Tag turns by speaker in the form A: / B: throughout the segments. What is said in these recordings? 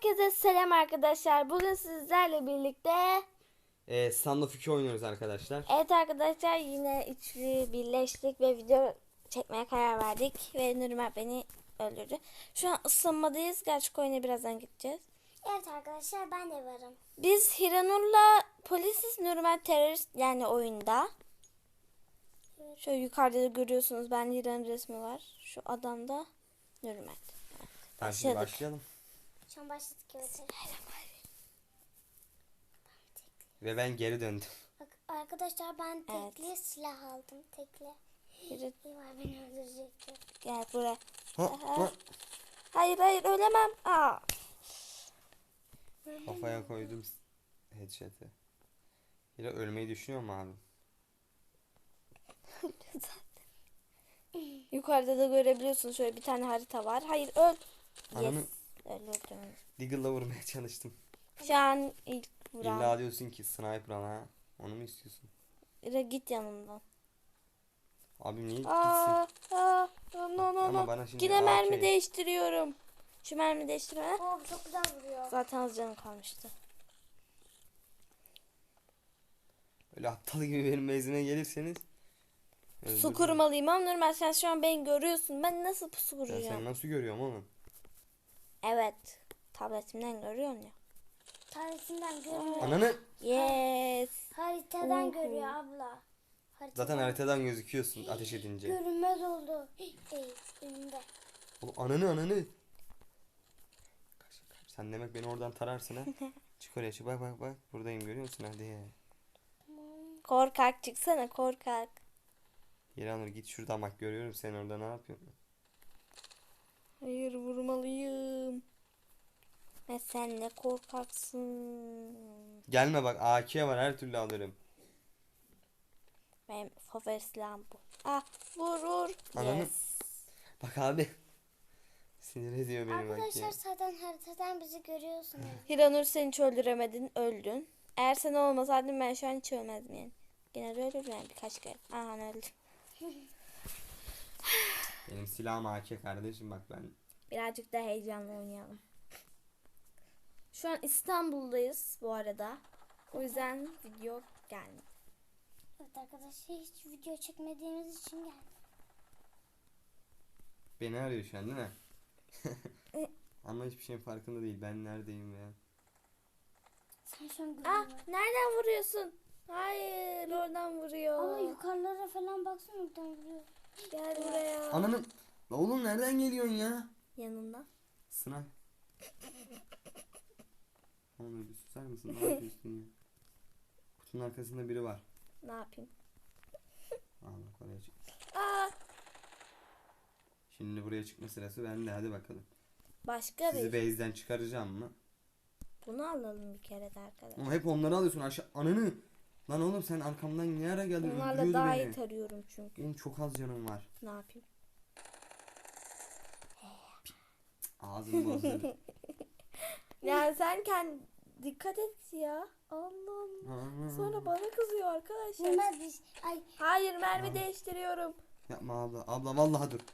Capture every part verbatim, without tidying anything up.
A: Herkese selam arkadaşlar. Bugün sizlerle birlikte
B: Ee, Stand of iki oynuyoruz arkadaşlar.
A: evet arkadaşlar yine üçlü birleştik ve video çekmeye karar verdik ve Nurmer beni öldürdü. Şu an ısınmadayız. Gerçek oyuna birazdan gideceğiz.
C: Evet arkadaşlar ben de varım.
A: Biz Hiranur'la polisiz, Nurmer terörist yani oyunda. Şöyle yukarıda da görüyorsunuz. Ben Hiranur resmi var. Şu adamda Nurmer.
B: Tamam, şimdi
A: başladık.
B: başlayalım.
C: Şu an başladık evet.
B: Ve ben geri döndüm.
C: Bak, arkadaşlar ben
A: Evet.
C: tekli silah aldım. Tekli.
A: Hiran-
C: İyi var beni öldürecekti.
A: Gel buraya.
B: Ha, ha.
A: Hayır hayır ölemem. Aa.
B: Kafaya koydum headshot'ı. Yine ölmeyi düşünüyor mu abi?
A: Yukarıda da görebiliyorsunuz şöyle bir tane harita var. Hayır öl.
B: Ananı
A: Yes. Öldürdüm.
B: Deagle'la vurmaya çalıştım.
A: Şu an ilk vuran.
B: İlla diyorsun ki sniper ha. Onu mu istiyorsun?
A: İra git yanımdan.
B: Abi niye
A: Aa,
B: gitsin?
A: aa, no no no
B: Ama
A: no.
B: bana şimdi
A: Yine mermi
B: A K.
A: değiştiriyorum. Şu mermi değiştirme.
C: Oo bu çok güzel vuruyor.
A: Zaten az canım kalmıştı.
B: Öyle aptal gibi benim mezime gelirseniz.
A: Su
B: öldürürüm.
A: kurmalıyım ama Nurmel sen şu an beni görüyorsun. Ben nasıl pusu
B: Ben
A: kuracağım?
B: seni nasıl görüyorum oğlum?
A: Evet. Tabletimden görüyorsun ya.
C: Tarihsinden görüyor.
B: Ananı.
A: Yes.
C: Haritadan
A: Uhu.
C: görüyor abla. Haritadan.
B: Zaten haritadan gözüküyorsun ateş edince.
C: Görünmez oldu. Ey önümde.
B: Oğlum ananı ananı. Sen demek beni oradan tararsın ha. Çık oraya çık bak bak bak. Buradayım görüyor musun hadi.
A: Korkak çıksana korkak.
B: Yeranur git şuradan bak görüyorum seni orada ne yapıyorsun?
A: Hayır vurmalıyım. Ve sen ne korkaksın.
B: Gelme bak A K var her türlü alırım.
A: Benim favori silahım bu. Ah vur vur.
B: Ananı-
A: Yes.
B: Bak abi. Sinir ediyor beni bak
C: Arkadaşlar
B: ya.
C: zaten haritadan bizi görüyorsunuz.
A: Hiranur sen hiç öldüremedin öldün. Eğer sen olmasaydın ben şu an hiç ölmezdim yani. Gene de ölürdüm yani birkaç kere. Aha öldüm.
B: Benim silahım A K kardeşim bak ben.
A: Birazcık da heyecanlı oynayalım. Şu an İstanbul'dayız bu arada. O yüzden video gelmedi.
C: Evet arkadaşlar hiç video çekmediğimiz için geldim.
B: Beni arıyor şu an değil mi? Ama hiçbir şeyin farkında değil. Ben neredeyim ya?
C: Sen şu an
A: Ah
C: görüyorsun.
A: nereden vuruyorsun? Hayır oradan vuruyor.
C: Ama yukarılara falan baksana oradan vuruyor.
A: Gel buraya.
B: Ananın. La oğlum nereden geliyorsun ya?
A: Yanında.
B: Sınav. Oğlum bir susar mısın? Ne yapıyorsun ya? Kutunun arkasında biri var.
A: Ne yapayım?
B: Aa bak oraya çık.
A: Aa
B: Şimdi buraya çıkma sırası bende hadi bakalım.
A: başka
B: Sizi
A: bir.
B: base'den çıkaracağım mı?
A: Bunu alalım bir kere de arkadaşlar.
B: Ama hep onları alıyorsun aşağı. Ananı. Lan oğlum sen arkamdan ne ara geldin?
A: Onlarla
B: Öldürüyordu
A: daha
B: beni.
A: iyi tarıyorum çünkü.
B: Benim çok az canım var.
A: Ne yapayım?
B: Ağzım bozuldu.
A: Ya sen kendi dikkat et ya. Allah'ım. Sonra bana kızıyor arkadaşlar.
C: Bunlar biz ay
A: Hayır mermi
B: Aa.
A: değiştiriyorum.
B: Yapma abla. Abla vallahi dur.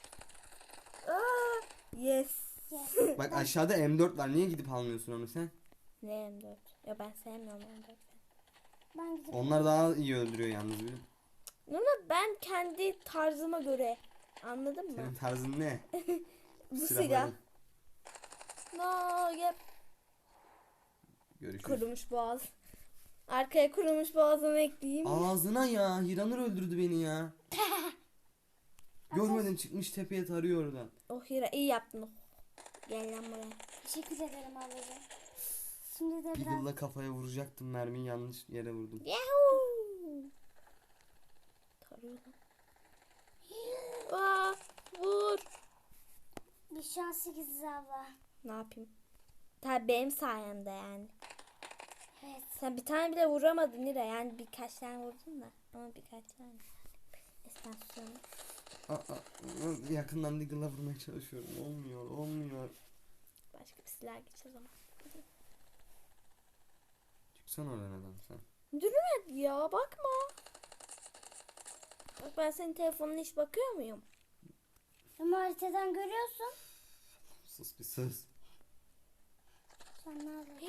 A: Aa, yes.
C: yes.
B: Bak aşağıda M dört var. Niye gidip almıyorsun onu sen?
A: Ne M dört? Ya ben sevmiyorum M dört.
C: Ben gidip
B: Onlar daha iyi öldürüyor yalnız benim.
A: Ama ben kendi tarzıma göre. Anladın mı?
B: Senin tarzın ne?
A: Bu
B: Silahların.
A: silah. No, yep.
B: Görüşürüz.
A: Kurumuş boğaz. Arkaya kurumuş boğazını ekleyeyim.
B: Ağzına ya. Hiranur öldürdü beni ya. Görmedim çıkmış tepeye tarıyor oradan.
A: Oh Hira iyi yaptın. Gel lan buraya.
C: teşekkür ederim ablacığım. Şimdi de biraz
B: Deagle'la kafaya vuracaktım mermiyi yanlış yere vurdum.
A: Yahoo! Tarıyor lan. Aa, vur.
C: bir şu an sekiziz abla.
A: Ne yapayım? Tabii benim sayemde yani.
C: Evet.
A: Sen bir tane bile vuramadın Hira. Yani birkaç tane vurdun da. Ama birkaç tane. Esen susuyorum.
B: Aa, aa, yakından Deagle'la vurmaya çalışıyorum. Olmuyor olmuyor.
A: Başka bir silah geç o zaman.
B: Çıksana oradan adam sen.
A: Durma ya bakma. Bak ben senin telefonuna hiç bakıyor muyum?
C: Ama haritadan görüyorsun.
B: Sus bir sus.
C: Sen ne alırdın?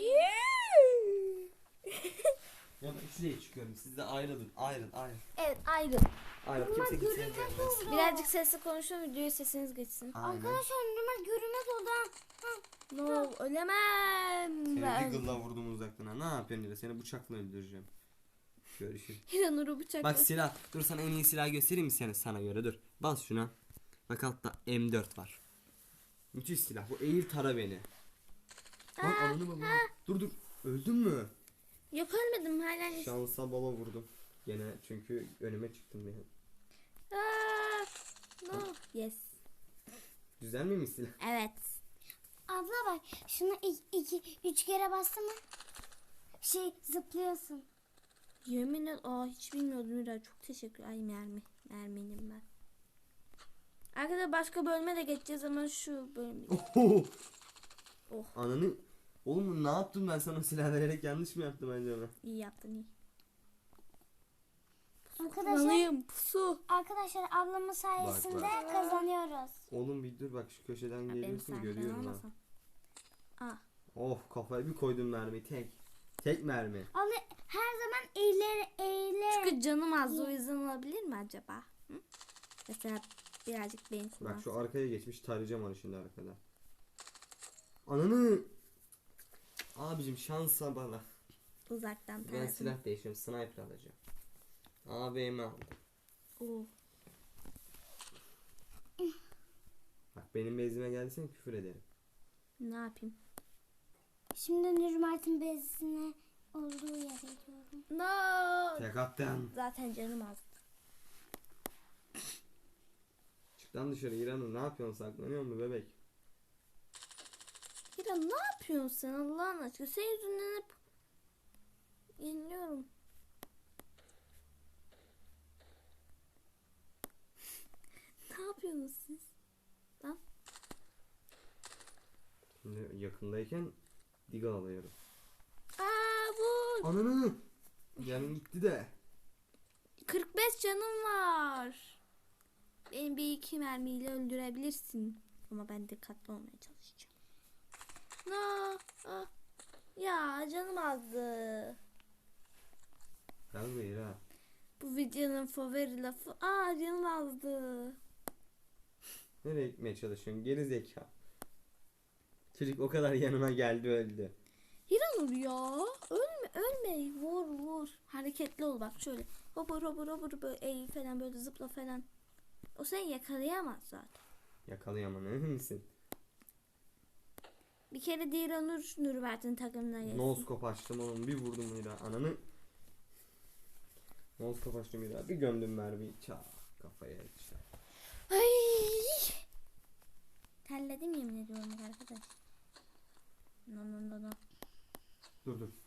B: Ya ben şuraya çıkıyorum. Siz de ayrılın. Ayrıl ayrıl.
A: Evet ayrıl.
B: Ayrıl. Kimse gitsin.
A: Birazcık sesli konuşun, videoya sesiniz geçsin.
B: Aynen.
C: Arkadaşlar Nurmel görünmez oldu. Ha.
A: No, ölemem.
B: Seni
A: Ben.
B: Deagle'la vurdum uzaktan ha. Ne yapıyorsun Hira? Seni bıçakla öldüreceğim. Görüşürüz.
A: Hiranur'u bıçakla.
B: Bak silah. Dur sana en iyi silah göstereyim mi seni sana göre dur. Bas şuna. Bak altta M dört var. Müthiş silah. Bu eğil tara beni. Lan ananı babamı. Dur dur. Öldün mü?
A: Yok ölmedim hala.
B: Şansa bala vurdum. Gene çünkü önüme çıktım benim.
A: Aa, no. Yes.
B: Güzel miymiş silah?
A: Evet.
C: Abla bak şunu iki, iki üç kere bastı mı şey zıplıyorsun.
A: Yemin et. Aa hiç bilmiyordum Hira. Çok teşekkür. Ay mermi. Merminim ben. Arkadaşlar başka bölüme de geçeceğiz ama şu bölüm.
B: Oho.
A: Oh.
B: Ananı. Oğlum ne yaptım ben sana silah vererek yanlış mı yaptım acaba?
A: İyi yaptın iyi.
C: Arkadaşlar
A: Kullanayım pusu.
C: arkadaşlar ablamın sayesinde
B: bak.
C: kazanıyoruz.
B: Oğlum bir dur bak şu köşeden
A: Ha, benim
B: geliyorsun
A: sayfam
B: görüyorum ha.
A: olmasın. Ah.
B: Oh kafaya bir koydum mermi tek. Tek mermi.
C: Abla her zaman eğilir eğilir.
A: Çünkü canım az o yüzden olabilir mi acaba? Hı? Mesela birazcık beyin
B: Bak
A: kullansın.
B: şu arkaya geçmiş tarayacağım onu şimdi arkada. Ananı. Abicim şansa bana.
A: Uzaktan
B: Ben
A: tarafım.
B: silah değiştiriyorum sniper alacağım. A V M aldım.
A: Oh.
B: Bak benim bezime gelsen küfür ederim.
A: Ne yapayım?
C: Şimdi Nurmert'in bezine olduğu yere gidiyorum.
A: No.
B: Tek attım.
A: Zaten canım az.
B: Çık lan dışarı İran'ım ne yapıyorsun saklanıyor mu bebek?
A: Hira ne yapıyorsun sen Allah'ın aşkına? Senin yüzünden hep yeniliyorum. Ne yapıyorsunuz siz? Lan.
B: Şimdi yakındayken Deagle alıyorum.
A: Aa bu.
B: Ananı. Canım gitti de.
A: kırk beş canım var. Beni bir iki mermiyle öldürebilirsin. Ama ben dikkatli olmaya çalışacağım. No. Ah. Ya canım azdı.
B: Gel buraya ha.
A: Bu videonun favori lafı. Aa canım azdı.
B: Nereye gitmeye çalışıyorsun geri zeka. Çocuk o kadar yanıma geldi öldü.
A: Hiranur ya. Ölme ölme. Vur vur. Hareketli ol bak şöyle. Hopur hopur hopur böyle eğil falan böyle zıpla falan. O seni yakalayamaz zaten.
B: Yakalayamam emin misin?
A: Bir kere de Hiranur Nurbert'in takımına gelsin.
B: Noskop açtım oğlum bir vurdum Mira ananı. Noskop açtım Mira bir gömdüm mermiyi çak kafaya çak.
A: Ay. Terledim yemin ediyorum arkadaş. No no no no.
B: Dur dur.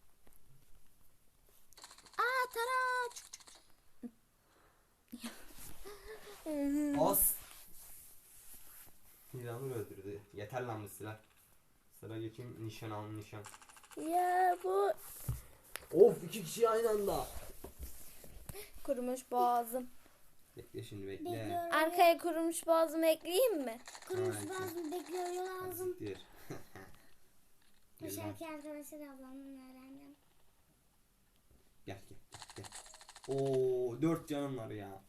A: Aa tara. Çık, çık, çık.
B: As. Hiranur öldürdü. Yeter lan bu silah. Sıra geçeyim nişan al nişan.
A: Ya bu
B: Of iki kişi aynı anda.
A: kurumuş boğazım.
B: Bekle şimdi bekle.
C: Bekliyorum.
A: Arkaya kurumuş boğazımı ekleyeyim mi?
C: Kurumuş
B: Hayır.
C: bazı bekliyor lazım.
B: Siktir.
C: Bu
B: Gel lan.
C: şarkı arkadaşlar ablamın öğrendim.
B: Gel gel gel. Oo dört canım var ya.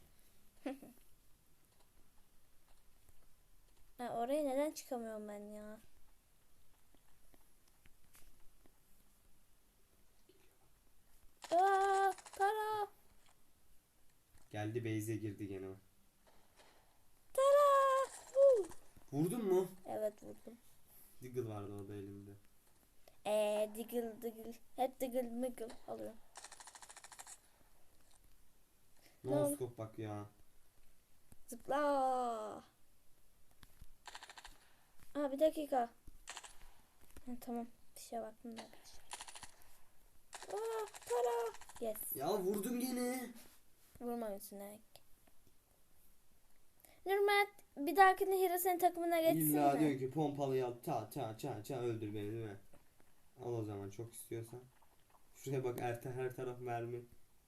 A: Ha, oraya neden çıkamıyorum ben ya? Aa, para.
B: Geldi base'e girdi gene o.
A: Tara. Huu.
B: Vurdun mu?
A: Evet vurdum.
B: Deagle vardı o da elimde.
A: Eee diggle diggle. Hep diggle miggle alıyorum.
B: No scope bak ya.
A: Zıpla. Aa bir dakika. Ha, tamam. Bir şeye baktım da arkadaşlar. Aa para. Yes.
B: Ya vurdun gene.
A: Vurma üstüne. Nurmet bir dahakine Hira senin takımına geçsin
B: İlla
A: mi?
B: diyor ki pompalıyı al ta ta ta ta öldür beni değil mi? Al o zaman çok istiyorsan. Şuraya bak her, her taraf mermi.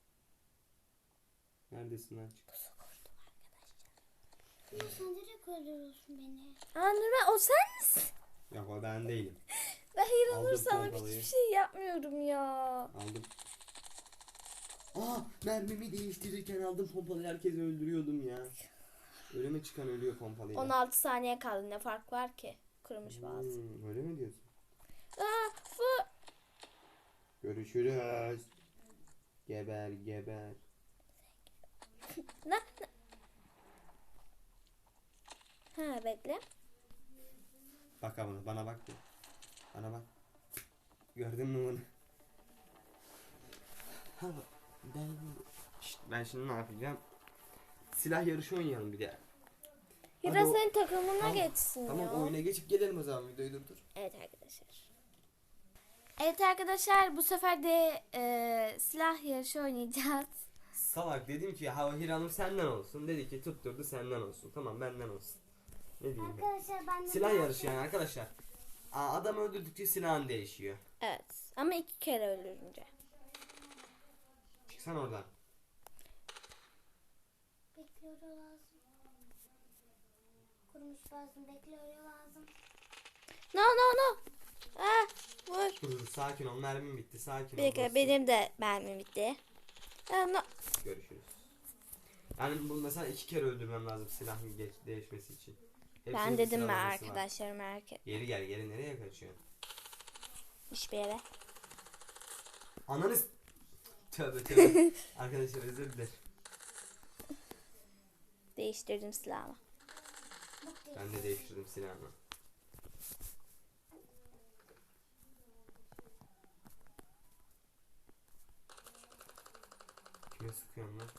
B: Neredesin lan çık.
A: Pusu kurdum arkadaşlar.
C: Ya sen direkt öldürüyorsun beni.
A: Aa Nurmet o sen misin?
B: Yok o ben değilim.
A: Ben Hiranur
B: Aldım
A: sana
B: pompalıyı.
A: hiçbir şey yapmıyorum ya.
B: Aldım. Aa, mermimi değiştirirken aldım pompalıyı, herkesi öldürüyordum ya. Ölüme çıkan ölüyor pompalıyla.
A: on altı saniye kaldı, ne fark var ki? Kurumuş bazı.
B: Hmm, öyle mi diyorsun?
A: Aa, fu.
B: Görüşürüz. Geber geber.
A: Ne? ne? Ha bekle.
B: Bak bana, bana bak. bir. Bana bak. Gördün mü bunu? Ha, ben, Şşt, ben şimdi ne yapacağım? Silah yarışı oynayalım bir de. Hadi
A: Hira
B: o-
A: senin takımına
B: Tamam,
A: geçsin
B: Tamam,
A: ya.
B: oyuna geçip gelelim o zaman, videoyu durdur.
A: Evet arkadaşlar. Evet arkadaşlar, bu sefer de e, silah yarışı oynayacağız.
B: Salak, dedim ki hava Hiranur senden olsun. Dedi ki tutturdu senden olsun. Tamam, benden olsun. Ne diyeyim ben?
C: Arkadaşlar ben de
B: Silah
C: biraz-
B: yarışı yani arkadaşlar. Aa, adam öldürdükçe silahın değişiyor.
A: Evet ama iki kere öldürünce.
B: Çıksan oradan.
C: Bekliyor lazım. Kurumuş lazım, bekliyor lazım.
A: No no no. Ah, vur.
B: Dur dur, sakin ol, mermim bitti, sakin
A: Bir
B: ol.
A: dakika,
B: dostum.
A: benim de mermim bitti. Ah, no.
B: Görüşürüz. Yani bu mesela iki kere öldürmem lazım silahın geç, değişmesi için. Hepsinin
A: Ben
B: bir
A: dedim mi
B: sıralaması var.
A: arkadaşlarım, erkek
B: Geri gel, geri nereye kaçıyorsun?
A: hiçbir yere.
B: Ananız. Tövbe tövbe. Arkadaşlar özür dilerim.
A: Değiştirdim silahımı.
B: Ben de değiştirdim silahımı. Kime sıkıyorum lan?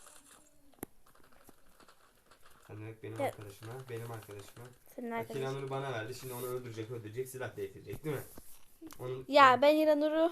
B: Sen demek benim
A: Evet.
B: arkadaşıma, benim arkadaşıma.
A: Senin
B: Bak,
A: arkadaşın.
B: Hiranur'u bana verdi, şimdi onu öldürecek, öldürecek, silah değiştirecek değil mi? Onun,
A: Ya ben İranur'u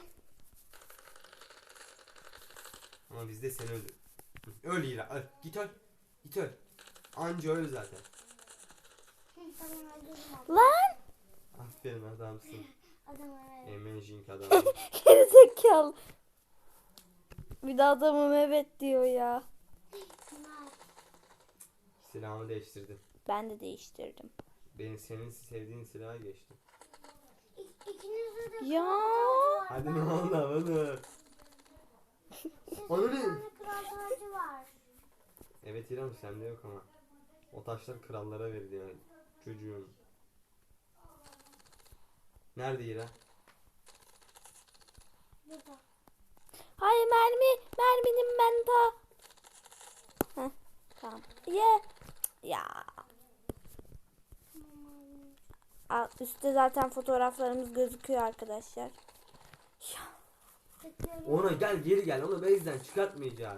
B: Ama biz de seni öldür. Öl Hira, öl. Git öl. Git öl. Anca öl zaten.
C: Hı, tamam öldürdüm abi.
A: lan
B: Aferin adamsın.
C: Adam öyle.
B: Amazing adam.
A: gerizekalı. Bir de adamım evet diyor ya.
C: Bunlar.
B: Silahımı değiştirdim.
A: Ben de değiştirdim.
B: Benim senin sevdiğin silaha geçtim.
C: İk, ikinizde de
A: Ya.
C: kral tacı var.
B: Hadi
C: Ben-
B: ne oldu onu?
C: Sizin
B: Onu
C: bir
B: ne?
C: tane kral tacı var.
B: Evet İrem, sende yok ama. O taşlar krallara veriliyor çocuğum. Nerede İrem?
C: Burada.
A: Hayır, mermi. Merminin ben ta. Heh, tamam. Ye. Ya. Alt üstte zaten fotoğraflarımız gözüküyor arkadaşlar.
C: Bekliyorum.
B: Ona gel, geri gel, onu base'den çıkartmayacağız.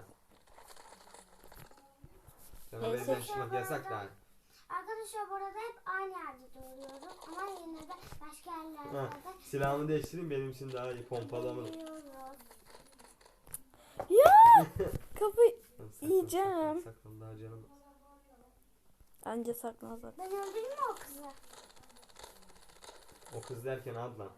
B: Sana
A: Neyse.
B: base'den çıkmak yasak da.
C: Arkadaşlar bu arada hep aynı yerde duruyorum. Ama yine de başka
B: Ha,
C: yerlerde
B: silahımı değiştireyim, benim için daha iyi pompalama.
C: duruyoruz.
A: Ya. Kafayı
B: Saklan,
A: yiyeceğim.
B: saklan, saklan, daha canım.
A: Anca saklanacak.
C: Ben öldüreyim mi o kızı?
B: O kız derken ablam.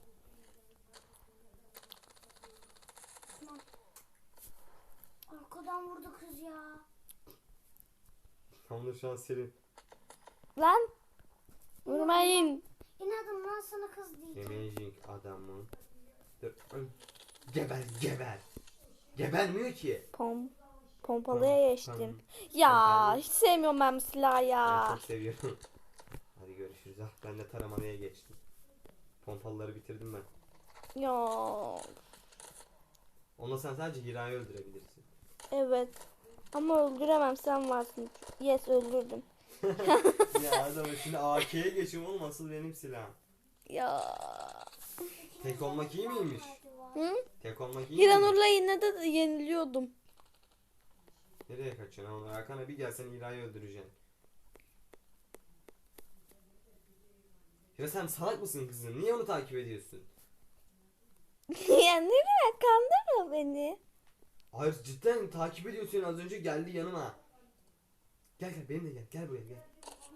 C: Arkadan vurdu kız ya.
B: Tam da şu an senin.
A: Lan. Vurmayın.
C: İnadım lan sana kız diyeceğim.
B: Amazing adamın. Dur. öl. Geber, geber. Gebermiyor ki.
A: Pom. Pompalıya geçtim.
B: Tamam.
A: Ya
B: Pompalı.
A: hiç sevmiyorum ben bu silahı
B: Ben
A: ya.
B: çok seviyorum. Hadi görüşürüz. Ah, ben de taramalıya geçtim. Pompalıları bitirdim ben.
A: Ya.
B: Onunla sen sadece Hira'yı öldürebilirsin.
A: Evet. Ama öldüremem, sen varsın. Yes, öldürdüm.
B: Ya adam şimdi A K'ye geçim oğlum, asıl benim silahım.
A: Ya.
B: Tek olmak iyi miymiş?
A: Hı?
B: Tek olmak iyi miymiş?
A: Hiranur'la yine de yeniliyordum.
B: Nereye kaçıyorsun oğlum? Arkana bir gelsen Hira'yı öldüreceksin. Ya sen salak mısın kızım? Niye onu takip ediyorsun?
A: Ya nereye, kandırma beni.
B: Hayır, cidden takip ediyorsun, az önce geldi yanıma. Gel gel, benimle gel. Gel buraya gel.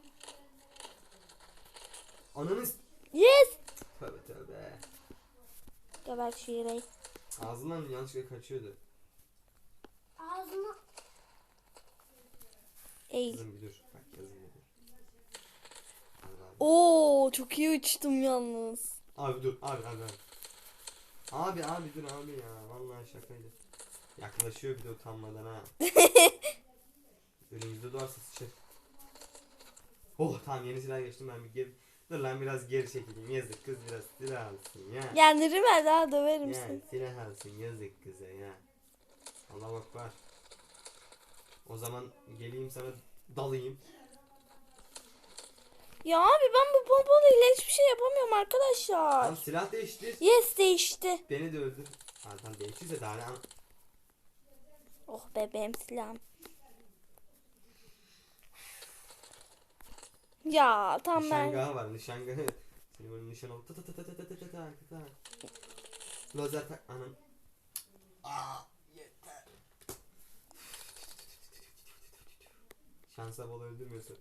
B: Ananı s-
A: Yes.
B: Tövbe tövbe.
A: Geber şu Hira'yı.
B: Ağzından yanlışlıkla kaçıyordu.
C: Ağzıma
A: Eğil.
B: Kızım bir dur. Bak yazın bir dur. Allah Allah.
A: Oo, çok iyi uçtum yalnız.
B: Abi dur abi abi abi. Abi abi dur abi ya. Vallahi şakaydı. Yaklaşıyor bir de utanmadan ha. Önümüzde doğarsa sıçır. Oh tamam yeni silah geçtim ben bir geri. Dur lan biraz geri çekileyim. Yazık kız biraz silah alsın ya.
A: Ya Nurümer daha döverim
B: Ya
A: seni.
B: silah alsın yazık kıza ya. Allah bak var. O zaman geleyim sana dalayım.
A: Ya abi ben bu pompalıyla hiçbir şey yapamıyorum arkadaşlar.
B: Tamam silah değiştir.
A: Yes değişti.
B: Beni de öldür. Ha tamam değiştirse daha ne an-
A: Oh bebeğim silahım. Ya tam ben.
B: Nişangahı var nişangahı. Seni böyle nişan ol. Ta ta ta ta ta ta ta ta ta ta. Lazer tak anam. Aa yeter. Şansa bol öldürmüyorsun.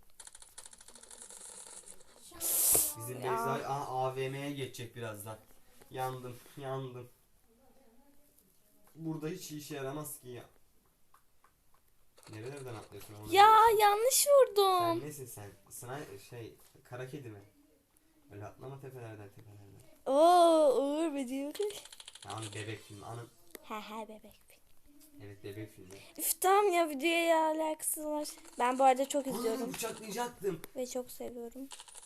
B: Bizim
A: Ya.
B: Beyza Aa, A V M'ye geçecek birazdan. Yandım yandım. Burada hiç işe yaramaz ki ya. Nerelerden atlıyorsun onu?
A: Ya yanlış
B: Sen
A: vurdum.
B: nesin sen? Sınay şey kara kedi mi? Öyle atlama tepelerden tepelerden.
A: Oo Uğur Bediyor.
B: Ya onu bebek filmi. Anı
A: He he bebek.
B: evet bebek filmi.
A: Üf tamam ya videoya alakası var. Ben bu arada çok
B: Aa,
A: izliyorum
B: bıçaklayacaktım.
A: ve çok seviyorum.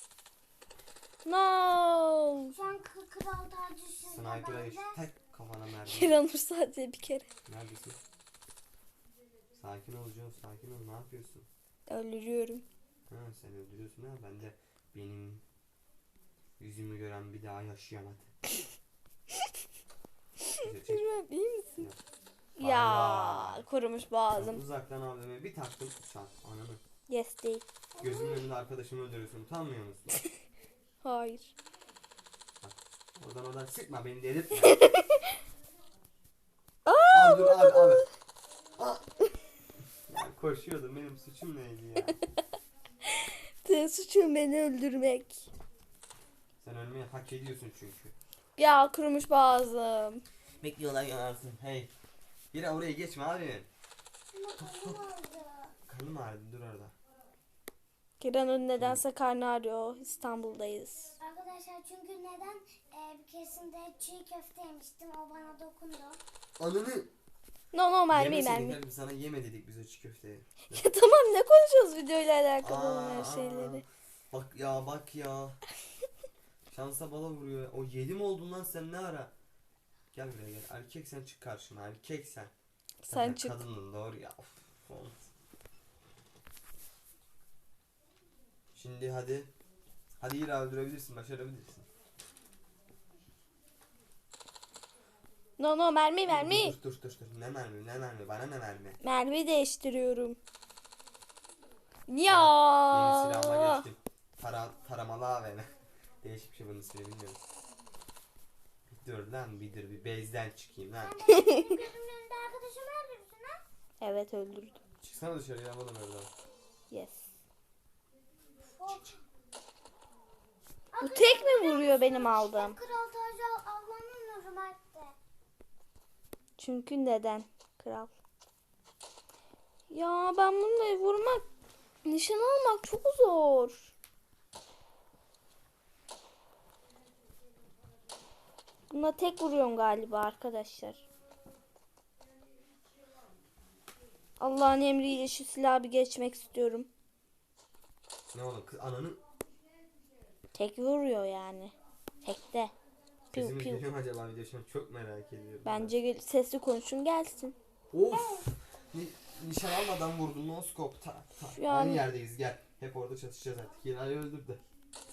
A: No.
C: Şu an kı- kral tacı sizde
B: Sniper'a
C: bende.
B: geç. Tek kafana mermi.
A: Kiranur sadece bir kere.
B: Neredesin? Sakin ol John, sakin ol. Ne yapıyorsun?
A: Öldürüyorum.
B: Ha sen öldürüyorsun ha. Ben de benim yüzümü gören bir daha yaşayamadı. Güzel, çek.
A: Bilmem iyi misin?
B: Ya.
A: Ya
B: Allah.
A: kurumuş boğazım.
B: Uzaktan abime bir taktım. Çat ananı.
A: Yes değil.
B: Gözümün önünde arkadaşımı öldürüyorsun. Utanmıyor musun?
A: Hayır.
B: Oradan oradan sıkma beni delirtme.
A: Aa,
B: Abi dur abi abi. Aa. Ya koşuyordum benim suçum neydi ya?
A: senin suçun beni öldürmek.
B: Sen ölmeyi hak ediyorsun çünkü.
A: Ya kurumuş boğazım.
B: Bekliyorlar yanarsın. Hey. Biri oraya geçme abi.
C: Ama kolum oldu.
B: Karnım ağrıdı dur orada.
A: Kiranur nedense karnı ağrıyor. İstanbul'dayız.
C: Arkadaşlar çünkü neden e, bir keresinde çiğ köfte yemiştim, o bana dokundu.
B: Ananı.
A: No no mermi
B: Yemeseydin
A: mermi.
B: kardeşim, sana yeme dedik biz o çiğ köfteyi.
A: Ya tamam ne konuşuyoruz videoyla alakalı olan her şeyleri.
B: Bak ya bak ya. Şansa bala vuruyor. O yedi mi oldun lan sen ne ara? Gel buraya gel. Erkek sen çık karşıma. Erkek sen.
A: Sen çık.
B: Kadının doğru ya. Of, olmaz. Şimdi hadi. Hadi yine öldürebilirsin. Başarabilirsin.
A: No no mermi mermi.
B: Dur dur dur dur. Ne mermi ne mermi. Bana ne mermi.
A: Mermi değiştiriyorum.
B: Yeni
A: Ya.
B: silahıma geçtim. Para, taramalı A V M. Değişik bir şey bunun ismini bilmiyorum. Bir dur lan bir dur bir bezden çıkayım lan.
C: Sen de benim gözümün önünde arkadaşımı öldürdün ha?
A: Evet öldürdüm.
B: Çıksana dışarıya yapalım oradan.
A: Yes.
C: Of.
A: Bu tek mi vuruyor benim aldığım?
C: Kral tacı al- almanın hürmette.
A: Çünkü neden? Kral. Ya ben bununla vurmak, nişan almak çok zor. Buna tek vuruyorum galiba arkadaşlar. Allah'ın emriyle şu silahı bir geçmek istiyorum.
B: Ne oğlum kız ananın
A: Tek vuruyor yani. Tekte. Piu
B: sesimiz
A: piu.
B: geliyor mu acaba video şu an çok merak ediyorum.
A: Bence gel- sesli konuşun gelsin.
B: Of. Ni nişan almadan vurdum no scope ta ta.
A: Şu an-
B: Aynı yerdeyiz gel. Hep orada çatışacağız artık. Hira'yı öldür de.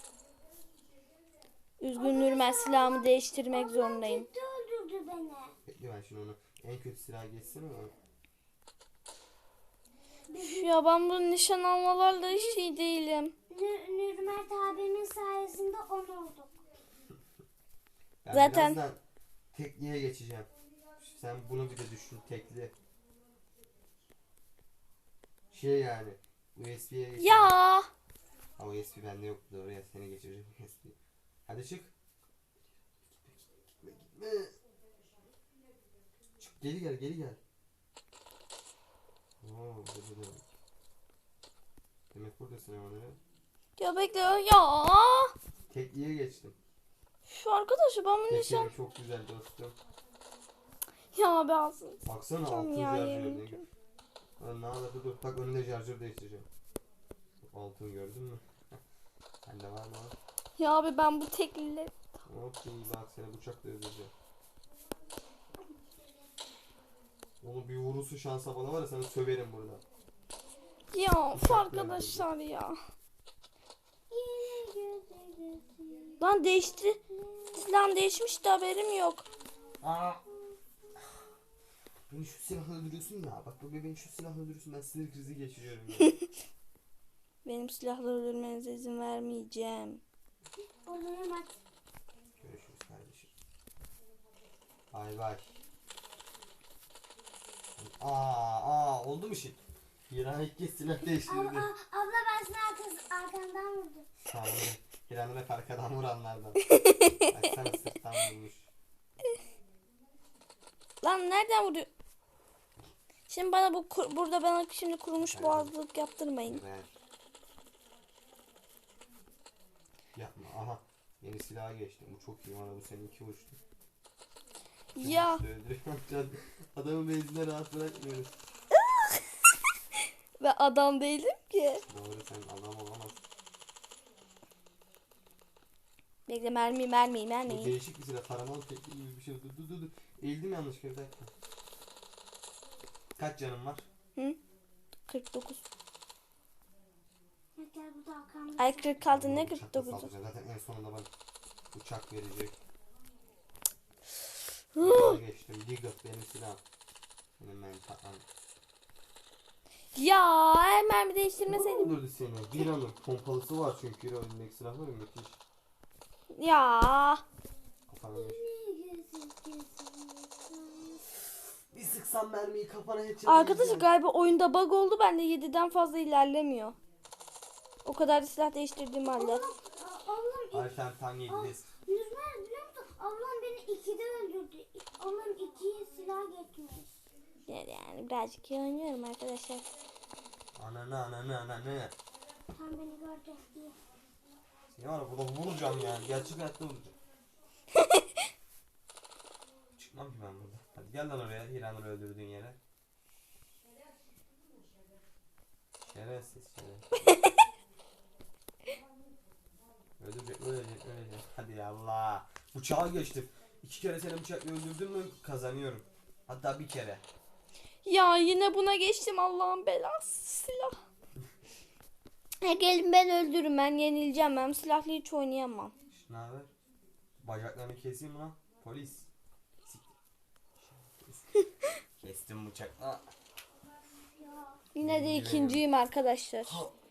A: Üzgünüm ben silahımı değiştirmek zorundayım.
C: Ciddi öldürdü beni.
B: Bekle ben şimdi onu. En kötü silah geçsin ama.
A: Üf ya ben bu nişan almalarla hiç iyi değilim.
C: Nür Nürmert abimin sayesinde on olduk.
B: Ben
A: Zaten-
B: birazdan tekliğe geçeceğim. Sen bunu bir de düşün tekli. Şey yani. U S B'ye geçeceğim.
A: Ya.
B: Ha U S B bende yok doğru ya seni geçireceğim U S B. Hadi çık. Gitme gitme gitme. Çık geri gel geri gel. Oo burada da. Demek buradasın ama ne?
A: Ya bekle ya.
B: Tekliğe geçtim.
A: Şu arkadaşı ben bunu nişan...
B: Tekeri çok güzel dostum.
A: Ya be alsın.
B: Baksana
A: Tamam
B: altın
A: ya,
B: şarjör.
A: yemin
B: Ne
A: ediyorum.
B: Lan ne alaka dur. Bak önünde şarjör değiştireceğim. Altın gördün mü? Sende var mı?
A: Ya abi ben bu tekliyle...
B: Hop iyi bak seni bıçakla öldüreceğim. Onu bir vurursu şansa bana var ya seni söverim burada.
A: Ya şu arkadaşlar ya. Lan değişti. Silah değişmiş de haberim yok.
B: Aa. Beni şu silahla öldürüyorsun ya. Bak bu bebeğin şu silahla öldürüyorsun. Ben sinir krizi geçiriyorum ya.
A: Benim silahla öldürmenize izin vermeyeceğim.
C: Olurum at.
B: Görüşürüz kardeşim. Bay bay. Aa, aa oldu mu şey? Hiran ilk kez silah
C: Abla,
B: değiştirdi.
C: abla ben seni arkası, arkandan vurdum.
B: Tamam. Hiran'ı hep arkadan vuranlardan. Baksana sırttan vurmuş.
A: Lan nereden vuruyor? Şimdi bana bu kur- burada bana şimdi kurumuş boğazlık yaptırmayın.
B: Evet. Yapma. Aha. Yeni silaha geçtim. Bu çok iyi. Bana bu senin iki uçtu.
A: Ya
B: Adamı benzinle rahat bırakmıyoruz.
A: ve adam değilim ki.
B: Doğru sen adam olamazsın.
A: Bekle mermi mermi
B: Bu
A: mermi.
B: değişik bir silah. Taramalı tekli gibi bir şey. Dur dur dur. dur. Eğildim yanlışlıkla bir dakika. Kaç canım var?
A: Hı? kırk dokuz.
C: Gel burada arkamda.
A: Ay kırk altı ne
B: Bıçakla
A: kırk dokuzu?
B: saldıracağım. Zaten en sonunda bana bıçak verecek. Buna geçtim. Diggle benim silahım. Benim ben patlam.
A: Ya eğer mermi değiştirmeseydim.
B: Öldürdü seni. Hiran'ın pompalısı var çünkü Hira önündeki silah var ya müthiş.
A: Ya.
B: Kafana geç. Bir sıksam mermiyi kafana headshot
A: Arkadaşlar
B: yiyeceğim.
A: galiba oyunda bug oldu. Bende yediden fazla ilerlemiyor. O kadar da silah değiştirdiğim halde.
C: Ablam,
B: Ay sen tam yediniz.
C: Nurmer biliyor musun? Ablam beni ikide öldürdü. Ablam ikiye silah geçmiş.
A: Yani, yani birazcık iyi oynuyorum arkadaşlar.
B: Ananı ananı ananı.
C: Tam beni gördü diye.
B: Seni var ya burada vuracağım yani. Gerçek hayatta vuracağım. Çıkmam ki ben burada. Hadi gel lan oraya. Hiran'ı öldürdüğün yere. Şerefsiz şerefsiz. Ölecek ölecek ölecek. Hadi ya Allah. Bıçağa geçtim. İki kere seni bıçakla öldürdüm mü kazanıyorum. Hatta bir kere.
A: Ya yine buna geçtim Allah'ın belası silah. Ha, gelin ben öldürürüm, ben yenileceğim, ben silahla hiç oynayamam.
B: Ne haber? Bacaklarını keseyim mi lan? Polis. Kestim bıçakla.
A: Yine de ikinciyim arkadaşlar.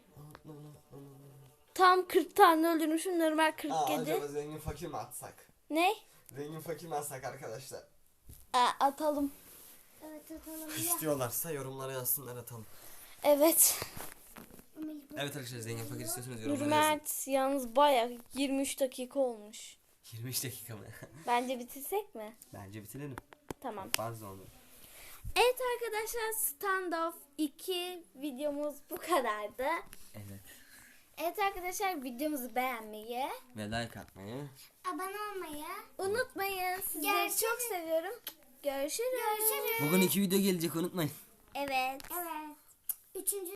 A: Tam kırk tane öldürmüşüm, normal
B: Aa,
A: kırk yedi.
B: acaba zengin fakir mi atsak?
A: Ne?
B: Zengin fakir mi atsak arkadaşlar?
A: Aa, atalım.
C: Evet atalım ya.
B: İstiyorlarsa yorumlara yazsınlar atalım.
A: Evet.
B: Evet arkadaşlar zengin fakir istiyorsanız yorumlara yazın.
A: Nurmert yalnız bayağı yirmi üç dakika olmuş.
B: yirmi beş dakika mı?
A: Bence bitirsek mi?
B: Bence bitirelim.
A: Tamam.
B: Fazla oldu.
A: Evet arkadaşlar, Standoff iki videomuz bu kadardı.
B: Evet.
A: Evet arkadaşlar, videomuzu beğenmeyi
B: Ve like atmayı.
C: Abone olmayı.
A: unutmayın. Sizleri
C: Görüşürüz.
A: çok seviyorum. Görüşürüz.
C: Görüşürüz.
B: Bugün iki video gelecek unutmayın.
A: Evet.
C: Evet. Üçüncü